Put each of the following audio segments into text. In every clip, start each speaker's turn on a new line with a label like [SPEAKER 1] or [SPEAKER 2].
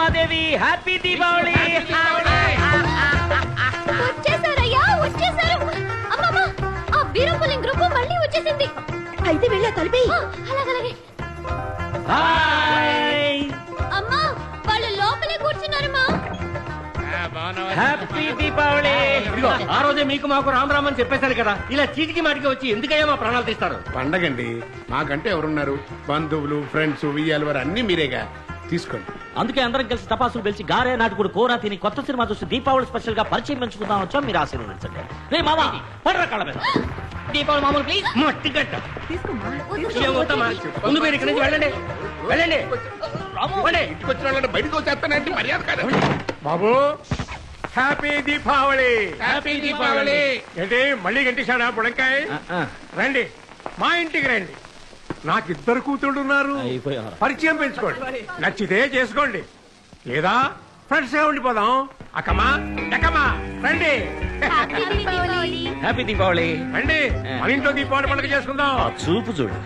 [SPEAKER 1] Ramadevi happy Deepavali.
[SPEAKER 2] వచ్చేసారయ్యా వచ్చేసారు. అమ్మమ్మ ఆ వీరపులింగ్ గ్రూప్ మళ్ళీ వచ్చేసింది.
[SPEAKER 3] అయితే వెళ్ళా కలిపి.
[SPEAKER 2] అలాగలాగే.
[SPEAKER 1] హాయ్
[SPEAKER 2] అమ్మా వాళ్ళు లోపలే కూర్చున్నారమ్మా.
[SPEAKER 1] హ్యాపీ దీపావళి.
[SPEAKER 4] ఇదిగో ఆ రోజే మీకు మాకు రామ్ రామ్ అని చెప్పేశాను కదా, ఇలా చీటికి మాటికి వచ్చి ఎందుకయ్యా మా ప్రాణాలు తీస్తారు?
[SPEAKER 5] పండగండి, మాకంటే ఎవరున్నారు? బంధువులు, ఫ్రెండ్స్, వియ్యాలు వారు అన్ని మీరేగా, తీసుకోండి.
[SPEAKER 1] అందుకే అందరం కలిసి టపాసులు పిలిచి గారే నాటుకుడు కూర తిని కొత్త సినిమా చూసి దీపావళి స్పెషల్ గా పరిచయం పెంచుకుందాం వచ్చాం. మీరు ఆశీర్వదించండి. రే మామా పడరా కాళ్ళ మీద. దీపావళి మామూలు ప్లీజ్.
[SPEAKER 4] మట్టి గట్ట ముందు మీరు ఇక్కడి నుంచి వెళ్ళండి వెళ్ళండి.
[SPEAKER 5] ఇంటికి వచ్చిన వాళ్ళని బయటకు వచ్చేస్తానంటే మర్యాద కాదు. బాబు హ్యాపీ దీపావళి. హ్యాపీ దీపావళి. ఏంటి మళ్ళీ గంటేశాడా బుడంకాయ? రండి మా ఇంటికి రండి. నాకిద్దరు కూతుళ్ళు ఉన్నారు, పరిచయం పెంచుకోండి, నచ్చితే చేసుకోండి, లేదా ఫ్రెండ్స్ గా ఉండిపోదాం. అక్కమా ఎక్కమా రండి.
[SPEAKER 1] హ్యాపీ దీపావళి.
[SPEAKER 5] రండి మన ఇంట్లో దీపావళి పండుగ చేసుకుందాం.
[SPEAKER 1] చూపు చూడు.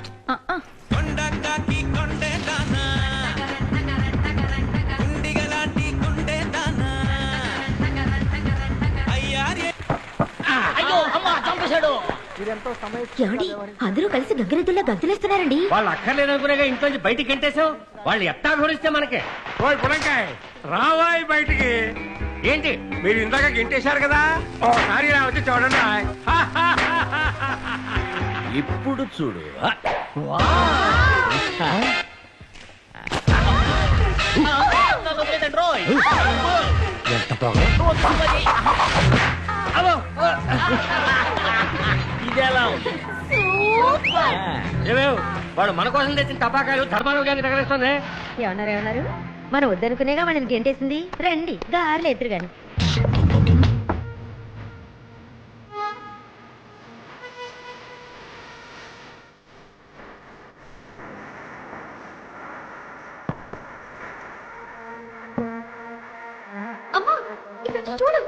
[SPEAKER 3] ఏమండి అందరూ కలిసి గంగిరెద్దుల్లా గంతులేస్తున్నారండి.
[SPEAKER 4] వాళ్ళు అక్కర్లేదనుకునేగా ఇంట్లో బయటికి గంటేశావు. వాళ్ళు ఎట్టా ఘోరిస్తే మనకే.
[SPEAKER 5] ఓయ్ బుడంకాయ రావాయి బయటికి.
[SPEAKER 4] ఏంటి
[SPEAKER 5] మీరు ఇందాక గెంటేశారు కదా, ఓసారి ఇలా వచ్చి చూడండి.
[SPEAKER 1] ఇప్పుడు చూడు.
[SPEAKER 4] ఎంత బాగా
[SPEAKER 1] ఇదేలా ఉంది?
[SPEAKER 4] ఏమేవ్ వాడు మన కోసం తెచ్చిన టపాకాయలు ధర్మాలు గాని తగలేస్తుంది.
[SPEAKER 3] ఏమన్నారు మనం వద్దనుకునేగా వాళ్ళని గెంటేసింది. రండి గారెలు ఎదురు గాని.
[SPEAKER 2] అమ్మా ఇక్కడ చూడు.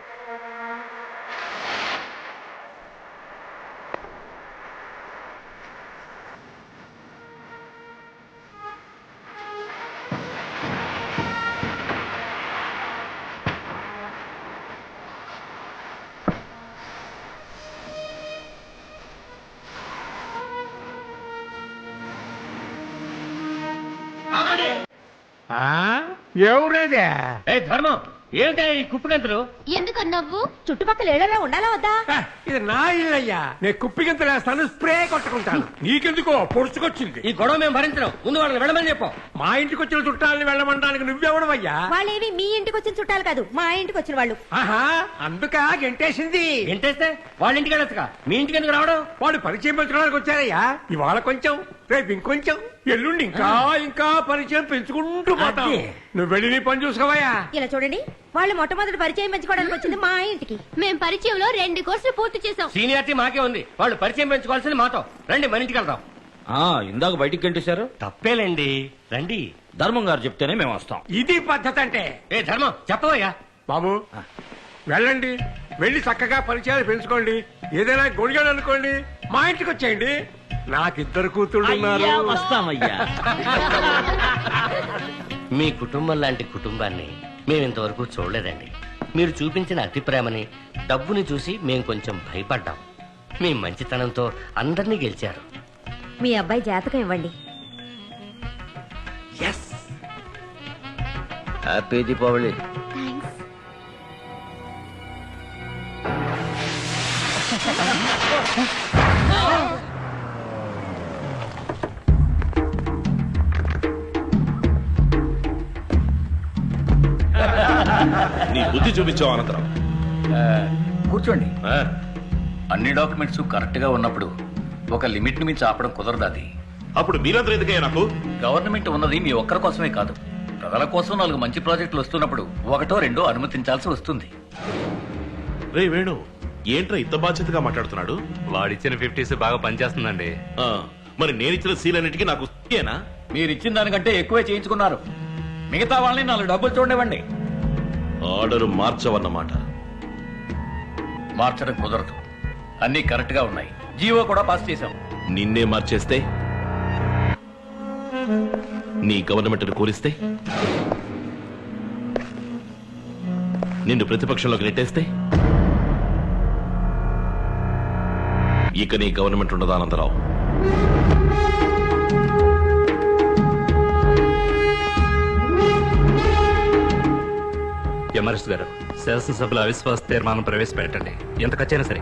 [SPEAKER 5] ఎవరేదే?
[SPEAKER 4] ఏ ధర్మం ఏమిటా ఈ కుప్పిగంతులు?
[SPEAKER 2] ఎందుకన్నావు?
[SPEAKER 3] చుట్టుపక్కల ఏళ్ళలో ఉండాలా వద్దా?
[SPEAKER 5] ఇది నా ఇల్లయ్యా, నేను కుప్పిగింత వేస్తాను, స్ప్రే కొట్టుకుంటాను. నీకెందుకో పొడుచుకొచ్చింది.
[SPEAKER 4] ఈ గొడవ మేము భరించడం. ముందు వాళ్ళని వెళ్ళమని చెప్పాం.
[SPEAKER 5] మా ఇంటికి వచ్చిన చుట్టాలని వెళ్ళమంటానికి నువ్వెవడవయ్యా?
[SPEAKER 3] వాళ్ళేవి మీ ఇంటికి వచ్చిన చుట్టాలు కాదు, మా ఇంటికి వచ్చిన వాళ్ళు.
[SPEAKER 5] ఆహా అందుక గెంటేసింది.
[SPEAKER 4] ఏంటేస్తే వాళ్ళ ఇంటికి వెళ్ళొచ్చుగా, మీ ఇంటికి ఎందుకు రావడం?
[SPEAKER 5] వాడు పరిచయం పెంచుకోవడానికి వచ్చారయ్యా. ఇవాళ కొంచెం, రేపు ఇంకొంచెం, ఎల్లుండి ఇంకా ఇంకా పరిచయం పెంచుకుంటూ పోతాం. నువ్వు వెళ్ళి నీ పని చూసుకోవయ్యా.
[SPEAKER 3] ఇలా చూడండి, వాళ్ళు మొట్టమొదటి పరిచయం పెంచుకోవడానికి వచ్చింది మా ఇంటికి.
[SPEAKER 2] మేం పరిచయంలో 2 కోర్సులు పూర్తి చేసాం.
[SPEAKER 4] సీనియారిటీ మాకే ఉంది, వాళ్ళు పరిచయం పెంచుకోవాల్సింది మాతో. రండి మన ఇంటికి వెళ్దాం.
[SPEAKER 1] ఇందాక బయటికి గంటేశారు.
[SPEAKER 4] తప్పేలేండి రండి.
[SPEAKER 1] ధర్మం గారు చెప్తేనే మేము వస్తాం.
[SPEAKER 5] ఇది పద్ధతి అంటే.
[SPEAKER 4] ఏ ధర్మం చెప్పవయ్యా.
[SPEAKER 5] బాబు వెళ్ళండి, వెళ్ళి చక్కగా పరిచయాలు పెంచుకోండి. ఏదైనా గొడిగాడు అనుకోండి, మా ఇంటికి వచ్చేయండి. నాకిద్దరు కూతుళ్ళు ఉన్నారు.
[SPEAKER 1] వస్తామయ్యా.
[SPEAKER 6] మీ కుటుంబం లాంటి కుటుంబాన్ని మేము ఇంతవరకు చూడలేదండి. మీరు చూపించిన అతి ప్రేమని, డబ్బుని చూసి మేము కొంచెం భయపడ్డాం. మీ మంచితనంతో అందరినీ గెలిచారు.
[SPEAKER 3] మీ అబ్బాయి జాతకం ఇవ్వండి.
[SPEAKER 1] హ్యాపీ దీపావళి.
[SPEAKER 7] నీ బుద్ధి చూపించావు అనంతరం.
[SPEAKER 8] కూర్చోండి. అన్ని డాక్యుమెంట్స్ కరెక్ట్ గా ఉన్నప్పుడు ఒక లిమిట్ ని మించి ఆపడం కుదరదు. అది
[SPEAKER 7] అప్పుడు మీరందరూ ఎందుకయ్యా నాకు?
[SPEAKER 8] గవర్నమెంట్ ఉన్నది మీ ఒక్కరి కోసమే కాదు, ప్రజల కోసం 4 మంచి ప్రాజెక్టులు వస్తున్నప్పుడు 1 2 అనుమతించాల్సి వస్తుంది.
[SPEAKER 7] రే వేణు, ఏంట్రా ఇంత బాధ్యతగా మాట్లాడుతున్నాడు?
[SPEAKER 9] వాడిచ్చిన 50s బాగా పనిచేస్తుందండి.
[SPEAKER 7] మరి నేనిచ్చిన సీలన్నిటికీ నాకు ఏనా?
[SPEAKER 8] మీరిచ్చిన దానికంటే ఎక్కువే చేయించుకున్నారు. మిగతా వాళ్ళని 4 డబ్బులు చూడండి.
[SPEAKER 7] ఆర్డర్ మార్చవన్నమాట.
[SPEAKER 8] మార్చడం కుదరదు, అన్ని కరెక్ట్ గా ఉన్నాయి. జీవో కూడా పాస్ చేశాం.
[SPEAKER 7] నిన్నే మార్చేస్తే, నీ గవర్నమెంట్ కూలిస్తే నిన్ను ప్రతిపక్షంలోకి నెట్టేస్తే ఇక నీ గవర్నమెంట్ ఉండదా అనంతరావు?
[SPEAKER 9] ఎమరెస్ట్ గారు, శాసనసభలో అవిశ్వాస తీర్మానం ప్రవేశపెట్టండి, ఎంత ఖర్చైనా సరే.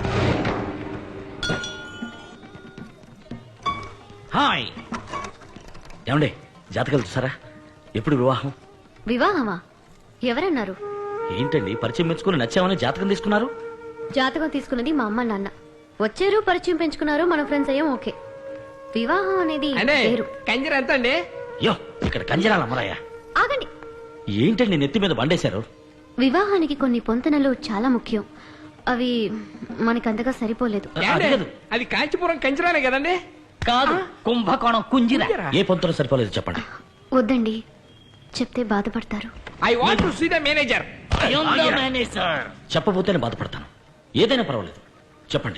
[SPEAKER 1] హాయ్ ఏమండి, జాతకాలు చూసారా? ఎప్పుడు వివాహం?
[SPEAKER 2] వివాహమా? ఎవరన్నారు?
[SPEAKER 1] ఏంటండి పరిచయం పెంచుకుని నచ్చామని జాతకం తీసుకున్నారు?
[SPEAKER 2] జాతకం తీసుకున్నది మా అమ్మ నాన్న. వచ్చారు, పరిచయం పెంచుకున్నారు, మన ఫ్రెండ్స్ అయ్యాం. ఓకే. వివాహం అనేది వేరు.
[SPEAKER 4] కంజర ఎంత అండి?
[SPEAKER 1] యో, ఇక్కడ కంజరాల అమ్మరాయ.
[SPEAKER 2] ఆగండి.
[SPEAKER 1] ఏంటండి నెత్తి మీద బండేశారు?
[SPEAKER 2] వివాహానికి కొన్ని పొంతనలు చాలా ముఖ్యం. అవి మనకంతగా సరిపోలేదు.
[SPEAKER 4] అది కాంచీపురం కంజరానే కదండి?
[SPEAKER 1] కాదు, కుంభకోణం కుంజిర. ఏ పొంతన సరిపోలేదు చెప్పండి.
[SPEAKER 2] వద్దండి, చెప్తే బాధపడతారు.
[SPEAKER 4] I want to see the manager.
[SPEAKER 1] చెప్పబోతేనే బాధపడతాను. ఏదైనా పర్వాలేదు, చెప్పండి.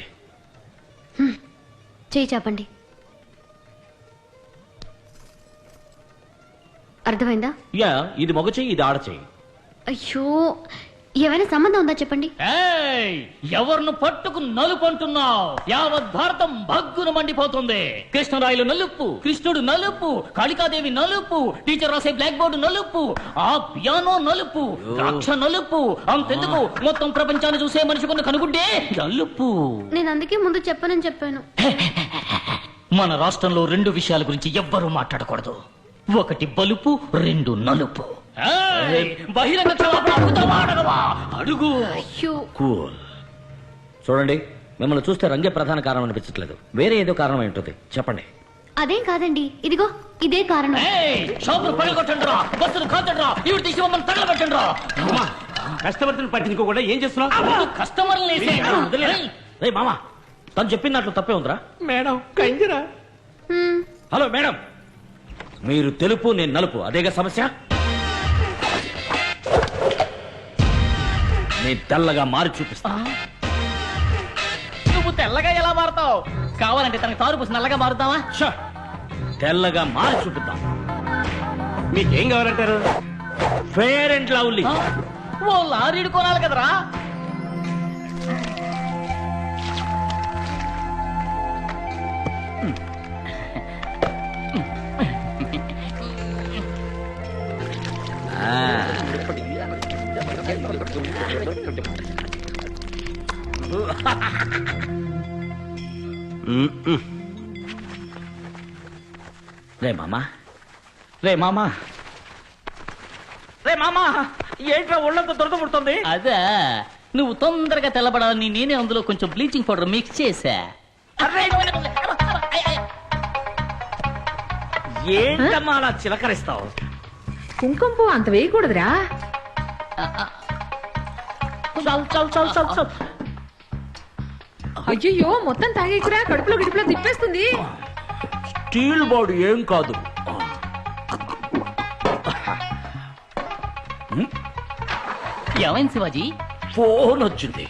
[SPEAKER 2] చేయి చాపండి. అర్థమైందా?
[SPEAKER 1] యా, ఇది మగ చెయ్యి, ఇది ఆడ చెయ్యి.
[SPEAKER 2] అయ్యో, ఏమైనా సంబంధం ఉందా చెప్పండి.
[SPEAKER 1] ఎవరిను పట్టుకు నలుపంటున్నావు? యావత్ భారతం భగ్గున మండిపోతుంది. కృష్ణరాయలు నలుపు, కృష్ణుడు నలుపు, కాళికాదేవి నలుపు, టీచర్ రాసే బ్లాక్ బోర్డు నలుపు, ఆ పియానో నలుపు, ద్రాక్ష నలుపు. అంతెందుకు, మొత్తం ప్రపంచాన్ని చూసే మనిషికున్న కనుగుడ్డే నలుపు.
[SPEAKER 2] నేను అందుకే ముందు చెప్పనని చెప్పాను.
[SPEAKER 1] మన రాష్ట్రంలో రెండు విషయాల గురించి ఎవ్వరూ మాట్లాడకూడదు. ఒకటి బలుపు, రెండు నలుపు. బహిరంగ అడుగు. కూల్. చూడండి, మిమ్మల్ని చూస్తే రంగే ప్రధాన కారణం అనిపించట్లేదు. వేరే ఏదో కారణం ఏంటది చెప్పండి.
[SPEAKER 2] అదేం కాదండి, ఇదిగో ఇదే కారణం.
[SPEAKER 4] కస్టమర్స్ పట్టించుకోకుండా ఏం చేస్తున్నావు?
[SPEAKER 1] కస్టమర్ మామా, తను చెప్పినట్లు తప్పే ఉందిరా.
[SPEAKER 4] మేడం కంజరా.
[SPEAKER 1] హలో మేడం, మీరు తెలుపు, నేను నలుపు, అదేగా సమస్య. నేను తెల్లగా మారి చూపిస్తా.
[SPEAKER 6] నువ్వు తెల్లగా ఎలా మారుతావు? కావాలంటే తనకి తారు పూసి నల్లగా మారుతావా?
[SPEAKER 1] తెల్లగా మారి చూపిద్దాం.
[SPEAKER 4] మీకేం కావాలంటారు?
[SPEAKER 1] Fair and Lovely.
[SPEAKER 6] ఓ లారీడు కొనాలి కదరా.
[SPEAKER 1] రే మామా, రే మామా, రే మామా, ఏంట్రా ఒళ్ళంతా దొరద పుడుతుంది?
[SPEAKER 6] అదే, నువ్వు తొందరగా తెల్లబడాలని నేనే అందులో కొంచెం బ్లీచింగ్ పౌడర్ మిక్స్ చేశా.
[SPEAKER 1] ఏంటమ్మా అలా చిలకరిస్తావు?
[SPEAKER 3] కుంకుమ పువ్వు అంత వేయకూడదురా. అయ్యో, మొత్తం తాగేకురా, కడుపులో గిడుపులో తిప్పేస్తుంది.
[SPEAKER 1] స్టీల్ బాడీ ఏం కాదు.
[SPEAKER 6] ఏమైంది శివాజీ?
[SPEAKER 1] ఫోన్ వచ్చింది.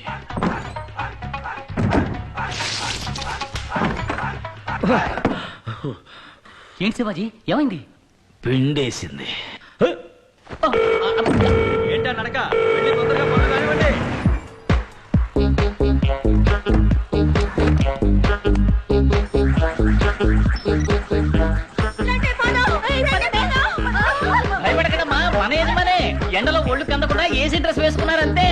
[SPEAKER 6] ఏంటి శివాజీ, ఏమైంది?
[SPEAKER 1] పిండేసింది.
[SPEAKER 4] ఏంటా నడక? వెళ్ళి తొందరగా పనులు కానివ్వండి.
[SPEAKER 6] భయపడకడమ్మా, మన ఏది మనే. ఎండలో ఒళ్ళు కందకుండా ఏసీ డ్రెస్ వేసుకున్నారంతే.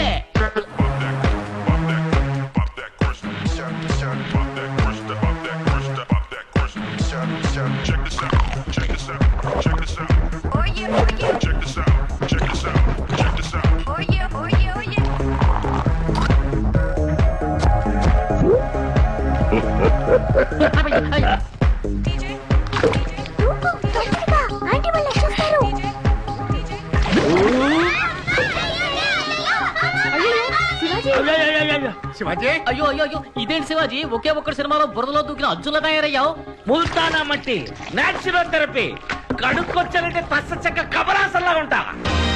[SPEAKER 5] శివాజీ,
[SPEAKER 6] అయ్యో అయ్యో అయ్యో, ఇదేంటి శివాజీ, ఒకే ఒక్కటి సినిమాలో బురదలో దూకిన అర్జున్లా తయారయ్యావు.
[SPEAKER 1] ముల్తానా మట్టి, నాచురల్ థెరపీ. కడుక్కొచ్చానంటే పచ్చ చెక్క కమరాసల్లా ఉంటా.